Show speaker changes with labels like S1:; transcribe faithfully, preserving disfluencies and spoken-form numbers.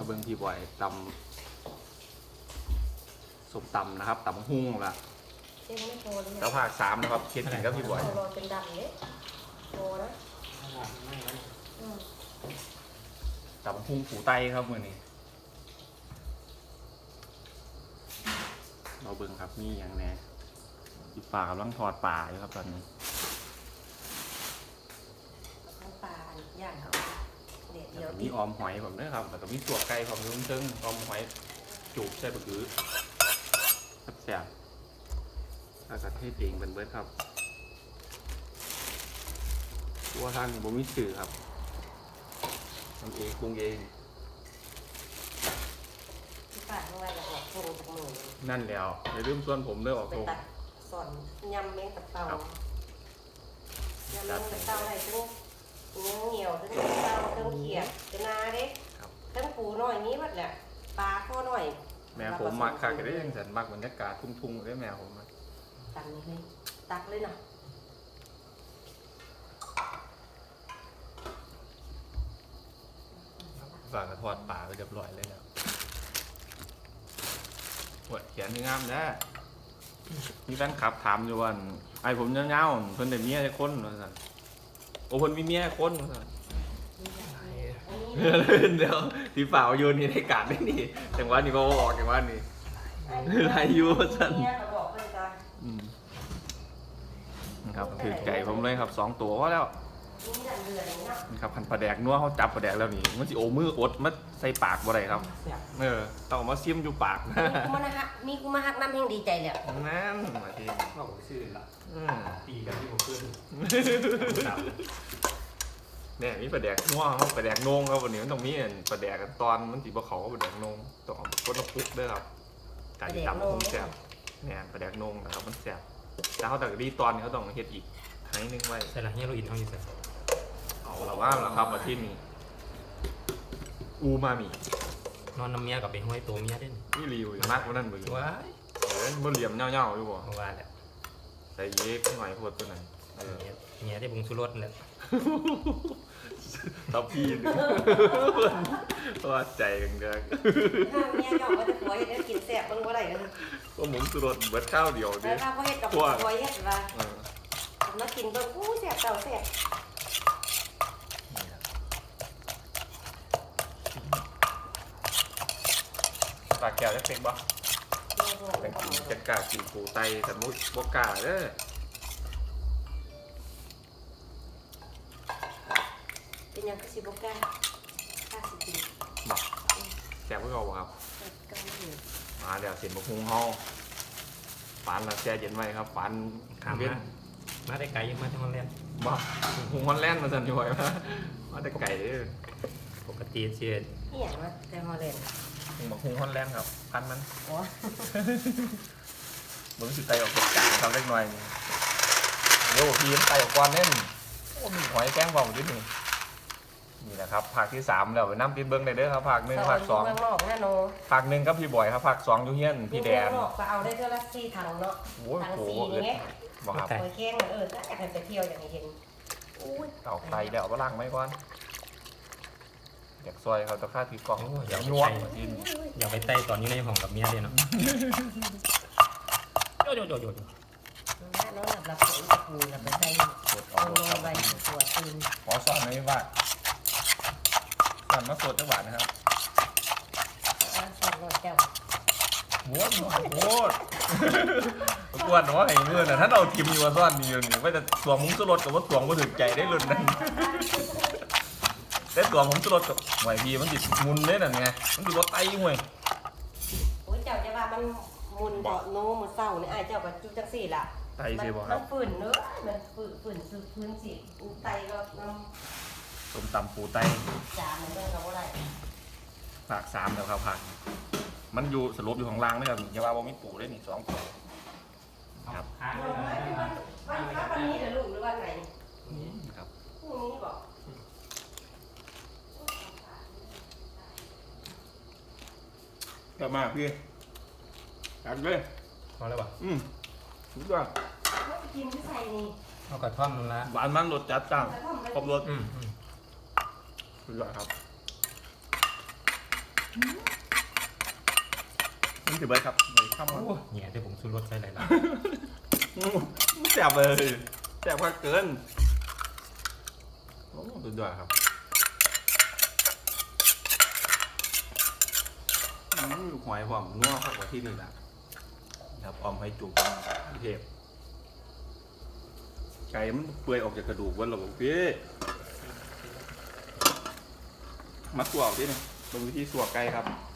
S1: เบิ้งพี่บอยตำสมตำนะครับตำหุ้งละ
S2: เจ๊ไม่โตเลย
S1: แล้วภาคสามนะครับเคียนกินกับพี่บอย
S2: รอเป็นดำเนี่ยโตนะ
S1: ตำหุ้งปูไตครับมือนี้เราเบิ้งครับมีอย่างแน่ที่ป่ากำลังทอดป่าอยู่ครับตอนนี้
S2: น้ำปลาย่างเขาเด็ดเดียว
S1: มีออมหอยผมด้วยครับแล้วก็มีตัวไก่ผมยุ่งจึงออมหอยจูบใส่บะกือแซ่บๆแล้วก็เทศเองเป็นเบิร์ดครับตัวทางบ่มีสื่อครับทำเองปรุงเอง
S2: ที่ปากข้างในอยากออกโครงจากมือ
S1: นั่นแล้วอย่าลืมส่วนผมเลือกออก
S2: ไป
S1: โครง
S2: ตัดสอนยำเม้งตับเตายำเม้งตับเตาอะไรทั้งเนื้อเหนียวทั้งเตาทั้งเขียดเป็นนาเด็กทั้งปูหน่อยนี้วัดแหละปลาข้อหน่อย
S1: แม่ผมมักคักได้ยังสันมักบรรยากาศทุ่งๆได้แม่ผมมัก
S2: ตักนี่เลยตักเลยเนาะ
S1: ฝากกระทอดป่าไปเรียบร้อยเลยแล้วปวดแขนที่งามนะมีแฟนคลับถามอยู่ว่าไอ้ผมเงาๆเพิ่นได้เมียได้คนว่าซั่นโอ้เพิ่นมีเมียคนว่าซั่นเดี๋ยวที่ฝ่าวโยนนี่ได้การได้นี่จังหวะนี้ก็ออกจังหวะนี้ไรอยู่ซั่นอืมครับถือใจผมเลยครับสองตัวก็แล้วนี่ครับพันปลาแดกนัวเขาจับปลาแดกแล้วนี่มันสิโอมืออดมันใส่ปากบ่ได้ครับเออต้องมาซิมอยู่ปาก
S2: มีกูมาฮักมีกูมาฮักน้ำแห้งดีใจเลย
S1: นั่นมาที
S3: เราชื่อละตีกันที่ผมเพื่อน
S1: เนี่ยมีปลาแดกนัวเขาปลาแดกนงครับวันนี้มันต้องมีปลาแดกตอนมันสีบะเขาปลาแดกนงต้องคนละพุกด้วยครับการที่จำมันแซ่บเนี่ยปลาแดกนงนะครับมันแซ่บแต่เขาแต่ดีตอนเขาต้องเฮ็ดอีกครั้งนึงไว้
S3: ใช่ละเนี่ยเราอินเขาอยู่ใส่
S1: เอาละว่าละครับมาที่นี่อูมามิ
S3: นอนน้ำเมียกับไปห้อยตัวเมียได้
S1: นี่รีวิวมากกว่านั้นมึง
S3: ว้าย
S1: เออมันเหลี่ยมเงาๆอยู่บ่
S3: ว่าแหละ
S1: ใส่เยกหน่อยพวดตัวไหนเออ
S3: เมียได้บุงสุรสเลย
S1: ทับพี่ว่าใจกันเกิน
S2: เมียหยอกว่าจะผัวเห็ดกินแซ่บบ้างว่าไรกัน
S1: ก็หมุนสุรสเบิดข้าวเดียวดิ
S2: แล้วถ้าเขาเห็ดกับผัวเห็ดละมากินเบิ้งอู้แซ่บเต่าแซ่บ
S1: ปากแก้วจะเป็นบ่เป็นกินจะกล้ากินปูไตสมุทรบกล้าเด้อ
S2: เป็นยังก็สิบก้าข้าสิกิน
S1: บอกแซ่บเพื่อเราครับมาเดี๋ยวเสียนบะฮุงเฮาฝันละแช่เย็นไว้ครับฝัน
S3: ขามมามาได้ไก่ยังมาที่ฮอลแลนด์
S1: บ่ฮุงฮอลแลนด์มาสั่นอยู่ไว้มามาได้ไก่
S3: ปกติเชียร์
S2: นี่อย่างว่าแต่ฮอลแลนด์
S1: ฮุงบะฮุงฮอลแลนด์ครับพันมันอ๋อมึงสิไตออกจากจานทำเล็กน้อยเดี๋ยวพี่ไตออกก่อนเน่นโอ้มีหอยแกงบ่าวด้วยนี่นี่นะครับภาคที่สามแล้วไปน้ำปิดเบิ้งได้เด้อครับภาคหนึ่งภาคสองภาคหนึ่งก็พี่บอยครับภาคสองยูเฮียนพี่แดน
S2: ก็เอาได้เท่าละสี่ถังเนาะถังสี่เงี้ย
S1: บอกครับ
S2: หอยแกงเออถ้าอยากไปเที่ยวอย่างนี้เห็น
S1: เต่าไตเดี๋ยวเอาไปล้างไหมก่อนอยากซอยเขาตะค่าถือกล่องอยากนัว
S3: อยากไปไต่ตอนนี้ในห้องกับเมียเลยเนาะโยโยโยโย
S2: น้องหลับหลับหัวจะปูหลับไปใส่เอาลงไปตัวตีน
S1: ขอสอนหน่อยว่าสอนมาสดจังหวะนะครับ
S2: สอนรถเจ้า
S1: โว้ดโว้ดกวนว่าไอ้เมื่อน่ะถ้าเราทิมอยู่ว่าซ่อนนี่อยู่นี่ว่าจะสวมมุ้งสลดกับว่าสวมก็ถึงใจได้รุ่นนั้นได้ตัวผมสลดกับหวยพีมันติดมุนเลยนั่นไงมันติดรถไตหวย
S2: โอ้ยเจ้าจะว่ามันมุนเบาโน้มือเศร้าเนี่ยไอ้เจ้าก็จุดจังสี่ล่ะ
S1: ไตเสียบ่ครับ
S2: มันฝืนเนื้อมันฝืนฝืนซื้อพื้นสิไตก็น้
S1: ำต้มตำปูไต
S2: จานมันเรื่องเราอะไร
S1: ผักสามแล้วครับผักมันอยู่สลบอยู่ของล่างนี่ครับอย่าว่าว่ามีปูได้นี่สองตัวครับ
S2: วันวันนี้เดี๋ยวลูกหรือวันไหน
S1: ครับ
S2: พรุ่งนี้บอก
S1: กลับมาพี่กันเลย
S3: พอแล้วป่ะ
S1: อืมถูกต้อง
S2: กินที่ใส่นี่
S3: เอากระท่อมนั่นละ
S1: หวานมันรสจัดจ้างครบรส
S3: อืม
S1: ถูกต้องครับนี่ถือเบิร์ดครับเลยข้ามมา
S3: โอ้เนี่ยเดี๋ยวผมซื้อรถใส่หลายล้าน
S1: แซ่บเลยแซ่บมากเกินโอ้สุดยอดครับอืมลูกหอยผมง้อเข้ากว่าที่นี่นะครับออมให้จุกพี่เทพไก่มันเปื่อยออกจากกระดูกวันหรอกพี่มาสัวเอาที่นี่เป็นวิธีสัวไก่ครับ